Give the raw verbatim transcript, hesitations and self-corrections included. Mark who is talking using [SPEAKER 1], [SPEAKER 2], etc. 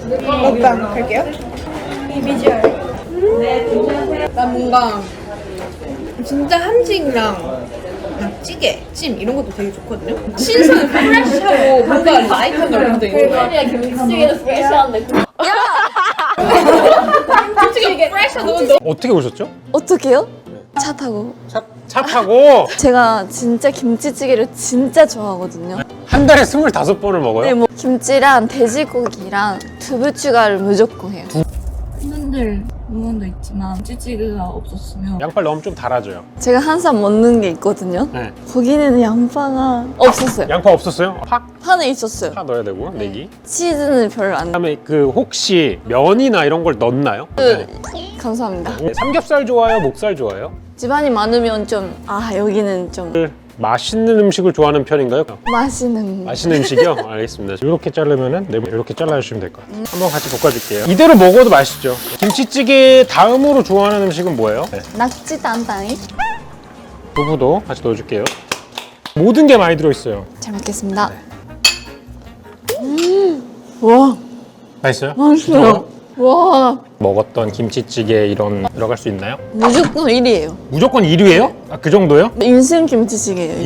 [SPEAKER 1] 먹방 할게요. 이 비주얼. 나 뭔가 진짜 한식이랑 그냥 찌개, 찜 이런 것도 되게 좋거든요. 신선, 프레시하고 뭔가 라이트한 걸 되게 좋아해요.
[SPEAKER 2] 야 김치찌개는 프레시한데.
[SPEAKER 1] 솔직히 이게 프레시한 너무 너무
[SPEAKER 3] 어떻게 오셨죠?
[SPEAKER 4] 어떻게요? 차 타고.
[SPEAKER 3] 차, 차 타고
[SPEAKER 4] 제가 진짜 김치찌개를 진짜 좋아하거든요.
[SPEAKER 3] 한 달에 스물다섯 번을 먹어요?
[SPEAKER 4] 네, 뭐 김치랑 돼지고기랑 두부 추가를 무조건 해요. 팬들 응원도 있지만 찌찌개가 없었으면
[SPEAKER 3] 양파를 넣으면 좀 달아져요.
[SPEAKER 4] 제가 항상 먹는 게 있거든요.
[SPEAKER 3] 네.
[SPEAKER 4] 거기는 양파가 없었어요.
[SPEAKER 3] 양파 없었어요? 파?
[SPEAKER 4] 파는 있었어요.
[SPEAKER 3] 파 넣어야 되고, 내기.
[SPEAKER 4] 치즈는 별로 안.
[SPEAKER 3] 그다음에 그 혹시 면이나 이런 걸 넣나요?
[SPEAKER 4] 그, 감사합니다.
[SPEAKER 3] 네. 삼겹살 좋아요? 목살 좋아요?
[SPEAKER 4] 집안이 많으면 좀 아 여기는 좀
[SPEAKER 3] 그 맛있는 음식을 좋아하는 편인가요?
[SPEAKER 4] 맛있는.
[SPEAKER 3] 맛있는 음식이요? 알겠습니다. 이렇게 자르면은 네, 이렇게 잘라주시면 될 것 같아요. 한번 같이 볶아줄게요. 이대로 먹어도 맛있죠. 김치찌개 다음으로 좋아하는 음식은 뭐예요? 네.
[SPEAKER 4] 낙지 단단히.
[SPEAKER 3] 두부도 같이 넣어줄게요. 모든 게 많이 들어있어요.
[SPEAKER 4] 잘 먹겠습니다. 음, 와
[SPEAKER 3] 맛있어요?
[SPEAKER 4] 맛있어요. 와
[SPEAKER 3] 먹었던 김치찌개 이런 들어갈 수 있나요?
[SPEAKER 4] 무조건 일 위예요.
[SPEAKER 3] 무조건 일 위예요? 아, 그 정도요?
[SPEAKER 4] 인생 김치찌개예요.